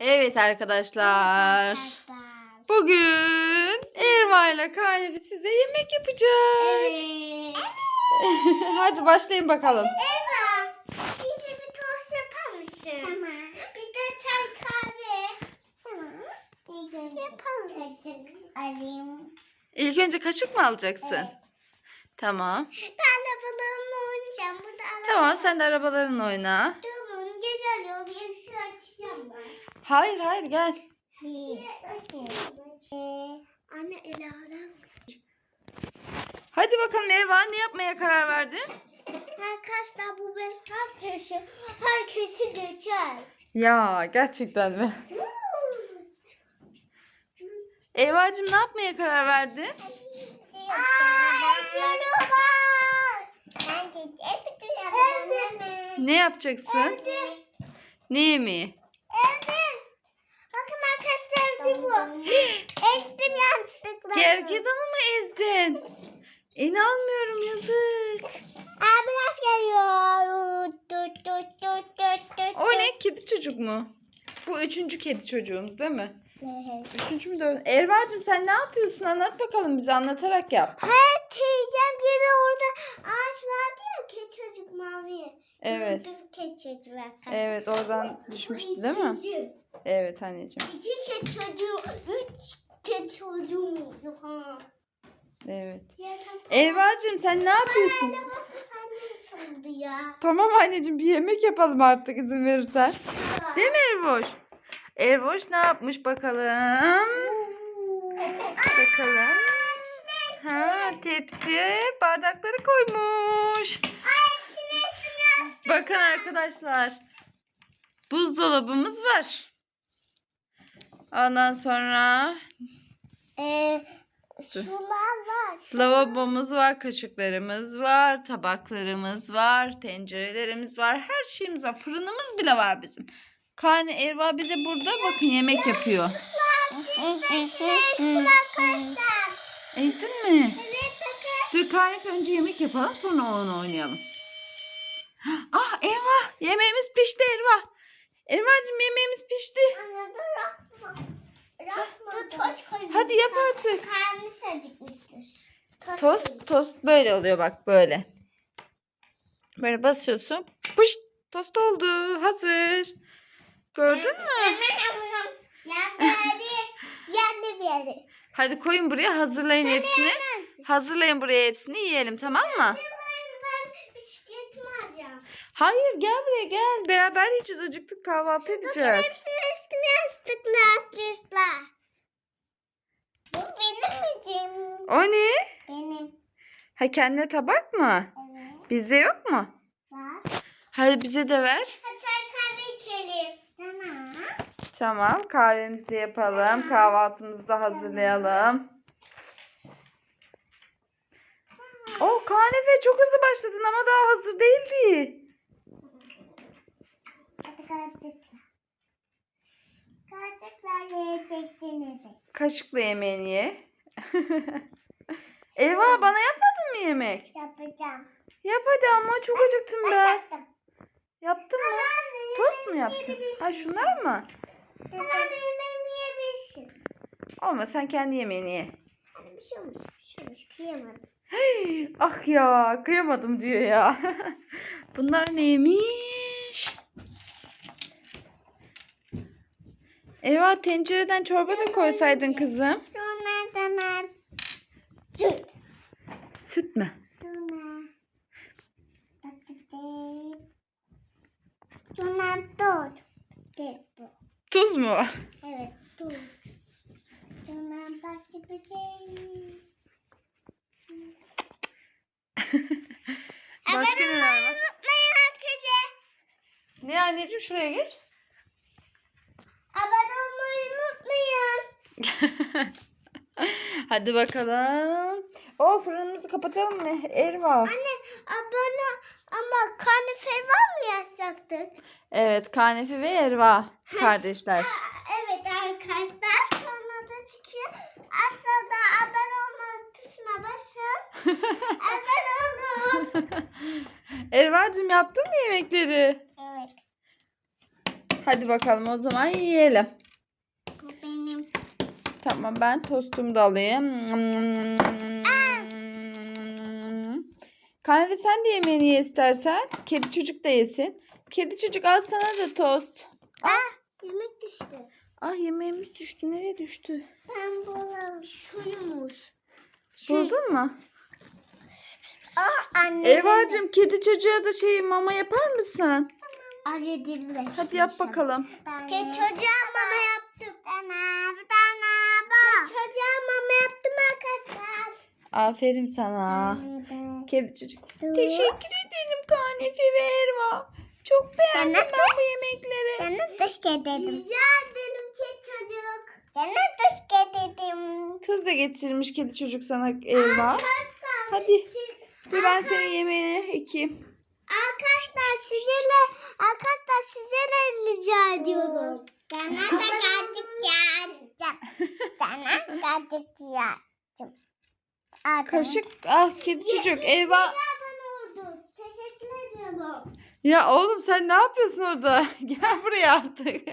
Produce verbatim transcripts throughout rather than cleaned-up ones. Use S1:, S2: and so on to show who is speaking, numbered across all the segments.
S1: Evet arkadaşlar.
S2: Arkadaşlar.
S1: Bugün Erva ile Kanefe size yemek yapacak.
S2: Evet.
S1: Hadi başlayın bakalım.
S2: Eva, bize bir tost yapar mısın? Tamam. Bir de çay kahve. Tamam. Yapar mısın? Alayım.
S1: İlk önce kaşık mı alacaksın?
S2: Evet.
S1: Tamam.
S2: Ben de balığımla oynayacağım. Burada alalım.
S1: Tamam, sen de arabalarınla oyna.
S2: Tamam, gece alıyorum. Bir ışığı açacağım ben.
S1: Hayır hayır gel.
S2: Bir açayım. Anne ele aram.
S1: Hadi bakalım Erva, ne yapmaya karar verdin?
S2: Arkadaşlar bu benim herkesi, herkesi geçer.
S1: Ya gerçekten mi? Erva'cığım, ne yapmaya karar verdin? Ne yapacaksın? Ne yemeği?
S2: Bakın arkadaşlar bu. Eştim yanlışlıkla.
S1: Gergedanı mı ezdin? İnanmıyorum, yazık.
S2: Aa, biraz geliyor. Tut, tut, tut, tut, tut.
S1: O ne? Kedi çocuk mu? Bu üçüncü kedi çocuğumuz değil mi?
S2: Evet.
S1: Üçüncü mü dördüncü? Erva'cığım, sen ne yapıyorsun? Anlat bakalım, bize anlatarak yap.
S2: Hayır, teyzem biri orada ağaç vardı ya, keçi çocuk mavi.
S1: Evet.
S2: Gördüm keçi çocuk arkadaşlar.
S1: Evet, oradan düşmüştü değil mi?
S2: Üçüncü.
S1: Evet anneciğim.
S2: İki keçi çocuğu, üç keçi çocuğum yok ha.
S1: Evet.
S2: Ya, tamam.
S1: Erva'cığım, sen ne yapıyorsun?
S2: Anne başka sandviç oldu ya.
S1: Tamam anneciğim, bir yemek yapalım artık izin verirsen. Değil mi Ervoş? Ervoş ne yapmış bakalım? Bakalım. Ha, tepsi bardakları koymuş. Bakın arkadaşlar. Buzdolabımız var. Ondan sonra
S2: Ee, şunlar var.
S1: lavabomuz var, kaşıklarımız var, tabaklarımız var, tencerelerimiz var, her şeyimiz var. Fırınımız bile var bizim. Karne Erva bize burada bakın yemek yapıyor.
S2: Eştim arkadaşlar.
S1: Ezdin mi?
S2: Evet bakın.
S1: Dur Kanefe, önce yemek yapalım, sonra onu oynayalım. Ah Erva, yemeğimiz pişti Erva. Erva'cığım, yemeğimiz pişti.
S2: Anne dur rakma. Rakma. Dur toz koy.
S1: Hadi yap artık.
S2: Karnısı acıkmıştır. Toz.
S1: Tost, tost böyle oluyor bak, böyle. Böyle basıyorsun. Pışt, tost oldu. Hazır. Gördün mü?
S2: Yandı hadi. Yandı bir yere.
S1: Hadi koyun buraya, hazırlayın hepsini. Hazırlayın buraya hepsini, yiyelim, tamam mı?
S2: Ben bisikletimi alacağım.
S1: Hayır, gel buraya gel. Beraber yiyeceğiz. Acıktık, kahvaltı edeceğiz.
S2: Hepsi üstüme yastıklar, cüsler. Bu benim miyim?
S1: O ne?
S2: Benim.
S1: Ha, kendine tabak mı?
S2: Evet.
S1: Bizde yok mu?
S2: Var.
S1: Hadi bize de ver.
S2: Hadi çay kahve içelim. Tamam.
S1: Tamam, kahvemizi de yapalım. Kahvaltımızı da hazırlayalım. O Kanefe, çok hızlı başladın ama daha hazır değildi.
S2: Hadi kaçtıklar. Kaçtıklar yiyeceksiniz.
S1: Kaşıkla yemeğini ye. Eyvah, bana yapmadın mı yemek?
S2: Yapacağım.
S1: Yap hadi, ama çok acıktım ben.
S2: Yaptım.
S1: Yaptın mı? Tost mu yaptın? Ha, şunlar mı?
S2: Anne yemeğimi yiyebilirsin.
S1: Olma, sen kendi yemeğini ye.
S2: Hani bir şey olmuş. Bir şey olmuş. Kıyamadım.
S1: Hey, ah ya, kıyamadım diyor ya. Bunlar neymiş? Eyvah, tencereden çorba da koysaydın kızım.
S2: Sonra sonra. Süt.
S1: Süt mü?
S2: Sonra. Bakın. Sonra tuz. De bu.
S1: Tuz mu?
S2: Evet tuz. Sonra bakın.
S1: Başka neler var?
S2: Unutmayın herkese.
S1: Ne anneciğim, şuraya geç.
S2: Abone olmayı unutmayın.
S1: Hadi bakalım. O fırınımızı kapatalım mı Erva?
S2: Anne abone ama karnefe var mı yazacaktık?
S1: Evet, Kanefe ve Erva kardeşler.
S2: Evet arkadaşlar sonra da çıkıyor. Aşağıda abone olma tuşuna basın. Abone olun.
S1: Erva'cığım, yaptın mı yemekleri?
S2: Evet.
S1: Hadi bakalım o zaman yiyelim.
S2: Bu benim.
S1: Tamam ben tostumu da alayım. Kahve sen de yemeğini ye istersen. Kedi çocuk da yesin. Kedi çocuk al sana da tost.
S2: Ah, yemek düştü.
S1: Ah yemeğimiz düştü. Nereye düştü?
S2: Ben buldum. Şuymuş.
S1: Buldun mu?
S2: Ah anne.
S1: Evacığım kedi çocuğa da şey mama yapar mısın?
S2: Acı dilbe.
S1: Hadi yap bakalım.
S2: Kedi çocuğa mama yaptım. Dana, dana, bak. Kedi çocuğa mama yaptım arkadaşlar.
S1: Aferin sana. Kedi çocuk.
S2: Dur.
S1: Teşekkür ederim Kanefe ve Erva. Çok beğendim
S2: Sana
S1: ben bu yemekleri.
S2: Sana teşekkür ederim. Rica ederim kedi çocuk. Sana teşekkür ederim.
S1: Tuz da getirmiş kedi çocuk sana Erva. Hadi. Dur ben senin yemeğini ekeyim.
S2: Arkadaşlar sizlerle arkadaşlar sizlerle rica ediyorum. Sana da kaçık yiyeceğim. Sana kaçık yiyeceğim.
S1: Kaşık. Ah kedi çocuk. Erva.
S2: Teşekkür ediyorum.
S1: Ya oğlum sen ne yapıyorsun orada? Gel buraya artık.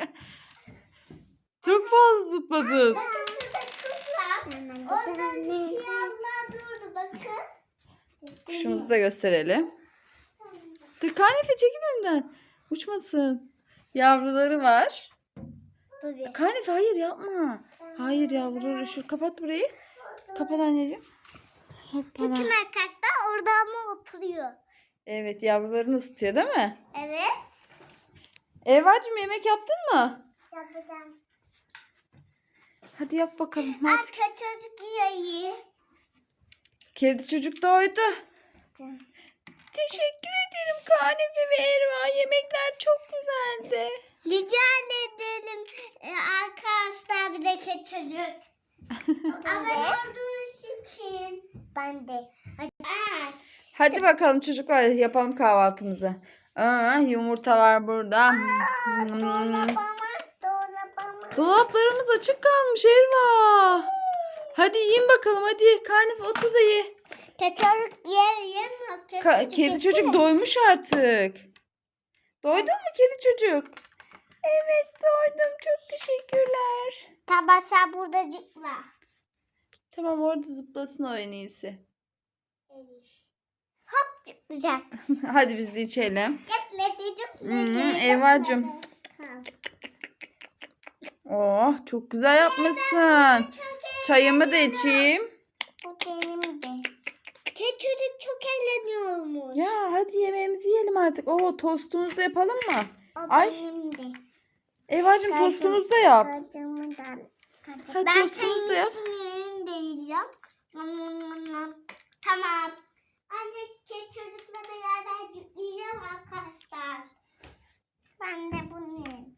S1: Çok fazla zıpladın.
S2: Bakın şurada kuş var. Orada iki abla durdu bakın.
S1: Kuşumuzu da gösterelim. Dur Kanefe çekil önümden. Uçmasın. Yavruları var.
S2: Dur.
S1: Kanefe hayır yapma. Hayır yavruları. Şu kapat burayı. Kapat anneciğim. Hoppala.
S2: Bakın arkadaşlar orada ama oturuyor.
S1: Evet yavrularını ısıtıyor değil mi?
S2: Evet.
S1: Erva'cığım yemek yaptın mı?
S2: Yapacağım.
S1: Hadi yap bakalım. Hadi.
S2: Arka çocuk yiyor.
S1: Kedi çocuk doydu. Teşekkür ederim Kanefe ve Erva. Yemekler çok güzeldi.
S2: Rica ederim ee, arkadaşlar bir de kedi çocuk. Ama olduğunuz için. Ben de. Hadi. Evet.
S1: Hadi bakalım çocuklar yapalım kahvaltımızı. Aa, yumurta var burada. Hmm.
S2: Dolabama, dolabama.
S1: Dolaplarımız açık kalmış Erva. Hadi yiyin bakalım hadi. Kanefe otur da ye.
S2: Kedi çocuk yer yemiyor. Kedi
S1: Ka-
S2: çocuk
S1: kedi
S2: yesene.
S1: çocuk doymuş artık. Doydun mu kedi çocuk? Evet doydum. Çok teşekkürler.
S2: Tabaşa burada zıpla.
S1: Tamam orada zıplasın o en iyisi.
S2: Hop zıplayacak.
S1: Hadi biz de içelim.
S2: Zıpladı
S1: Hmm,
S2: zıpladı.
S1: Erva'cığım. Oh çok güzel yapmışsın. Çayımı da içeyim.
S2: Bu benim de. Kedi çocuk çok eğleniyormuş.
S1: Ya hadi yemeğimizi yiyelim artık. Oo tostumuzu da yapalım mı?
S2: O
S1: Ay.
S2: benim de.
S1: Evacığım
S2: Kacım-
S1: tostumuzu da yap.
S2: Kacımı da- kacım-
S1: Hadi
S2: Ben
S1: tostumuzu da
S2: çayın
S1: yap.
S2: üstünü yemeğimi de yiyeceğim. Tamam. Anne kedi çocukla beraber zıplayacağım arkadaşlar. Ben de bunu yiyeyim.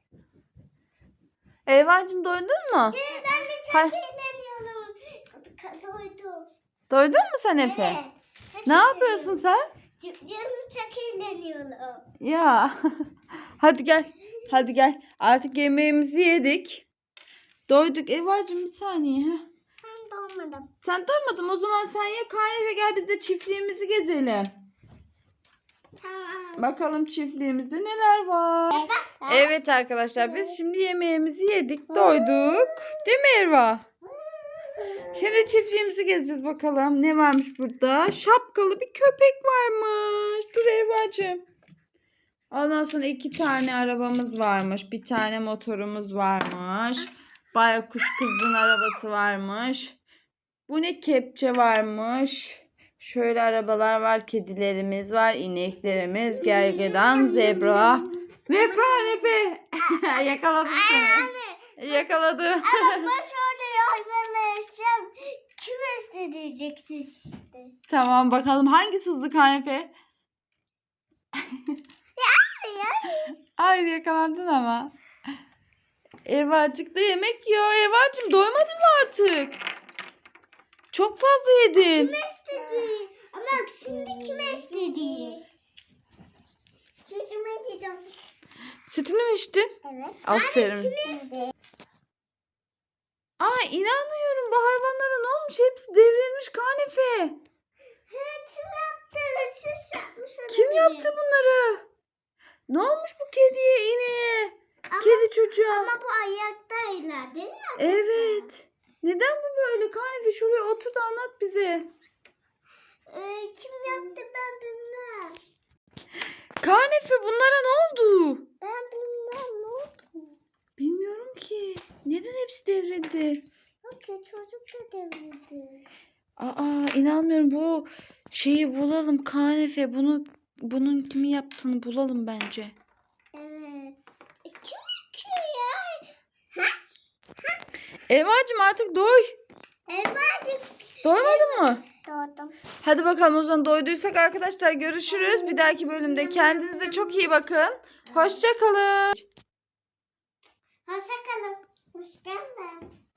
S1: Evacığım doydun mu?
S2: Ee, Ben de çok
S1: Hay-
S2: eğleniyorum. Doydum.
S1: Doydun mu sen Efe?
S2: Evet. Çok
S1: Ne yapıyorsun
S2: eğleniyorum.
S1: sen?
S2: Zıplıyorum, çok eğleniyorum.
S1: Ya. Hadi gel. Hadi gel. Artık yemeğimizi yedik. Doyduk. Evacığım bir saniye. Heh.
S2: Ben doğmadım.
S1: Sen doymadın mı? O zaman sen ye Kayne ve gel biz de çiftliğimizi gezelim.
S2: Tamam.
S1: Bakalım çiftliğimizde neler var. Evet arkadaşlar biz şimdi yemeğimizi yedik. Doyduk. Değil mi Erva? Şimdi çiftliğimizi gezeceğiz bakalım. Ne varmış burada? Şapkalı bir köpek varmış. Dur Erva'cığım. Ondan sonra iki tane arabamız varmış. Bir tane motorumuz varmış. Baykuş kızın arabası varmış. Bu ne kepçe varmış. Şöyle arabalar var. Kedilerimiz var. İneklerimiz. Gergedan, zebra. Ve kanepe. Yakaladım seni. Yakaladım.
S2: Ama baş orada hayvanlaşacağım. Kim isteyeceksin işte?
S1: Tamam bakalım hangisi hızlı kanepe?
S2: Ya.
S1: Hayır yakalandın ama. Erva'cık da yemek yiyor. Erva'cığım doymadın mı artık? Çok fazla yedin.
S2: Kim istedi? Ama şimdi kim istedi? Sütümü içeceğim.
S1: Sütünü mü içtin?
S2: Evet.
S1: Aferin.
S2: Kim istedi?
S1: Aa inanmıyorum bu hayvanlara ne olmuş? Hepsi devrilmiş kanefe.
S2: He, kim yaptı? Hırsız yapmış olabilir.
S1: Kim yaptı bunları? Ne olmuş bu kediye, ineğe? Kedi çocuğa.
S2: Ama bu ayaktaylar değil mi?
S1: Evet. Neden bu böyle? Kanefe şuraya otur da anlat bize.
S2: Ee, kim yaptı ben bilmem.
S1: Kanefe bunlara ne oldu?
S2: Ben bilmem ne oldu.
S1: Bilmiyorum ki. Neden hepsi devrildi?
S2: Bak ya çocuk da devirdi.
S1: Aa, inanmıyorum. Bu şeyi bulalım Kanefe. Bunu bunun kimi yaptığını bulalım bence.
S2: Evet. E, kim yıkıyor ya?
S1: Elvacığım artık doy.
S2: Elbacık.
S1: Doymadın mı?
S2: Doğdum.
S1: Hadi bakalım o zaman doyduysak arkadaşlar görüşürüz. Bir dahaki bölümde kendinize çok iyi bakın. Hoşça kalın.
S2: Hoşça kalın. Hoş geldin.